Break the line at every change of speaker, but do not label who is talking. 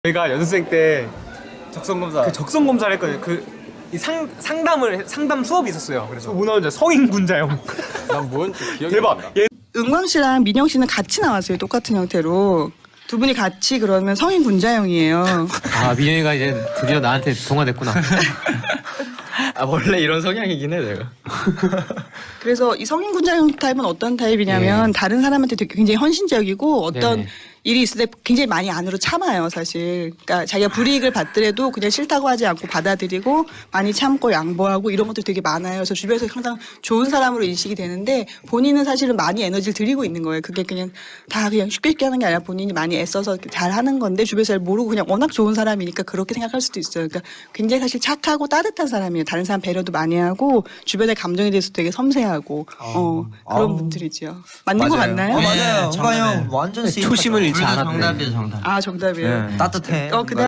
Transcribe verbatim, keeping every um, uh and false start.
저희가 연습생 때 적성검사 그 적성검사를 했거든요. 그 이 상, 상담을 상담 수업이 있었어요. 그래서 오늘 성인군자형.
난 뭔지 기억이
대박.
안 나.
얘...
은광 씨랑 민영 씨는 같이 나왔어요. 똑같은 형태로. 두 분이 같이 그러면 성인 군자형이에요.
아, 민영이가 이제 드디어 나한테 동화됐구나.
아 원래 이런 성향이긴 해 내가.
그래서 이 성인 군자형 타입은 어떤 타입이냐면
네.
다른 사람한테 되게 굉장히 헌신적이고 어떤
네네.
일이 있을 때 굉장히 많이 안으로 참아요, 사실. 그러니까 자기가 불이익을 받더라도 그냥 싫다고 하지 않고 받아들이고 많이 참고 양보하고 이런 것도 되게 많아요. 그래서 주변에서 항상 좋은 사람으로 인식이 되는데 본인은 사실은 많이 에너지를 들이고 있는 거예요. 그게 그냥 다 그냥 쉽게 쉽게 하는 게 아니라 본인이 많이 애써서 잘 하는 건데 주변에서 잘 모르고 그냥 워낙 좋은 사람이니까 그렇게 생각할 수도 있어요. 그러니까 굉장히 사실 착하고 따뜻한 사람이에요. 다른 사람 배려도 많이 하고 주변의 감정에 대해서 되게 섬세하고 어, 그런
아우.
분들이죠. 맞는 거 맞나요?
어, 맞아요.
네,
은광 형
정답이에요.
완전
초심을 잃지 않았네.
정답이에요 정답.
아 정답이에요.
따뜻해.
어, 그다음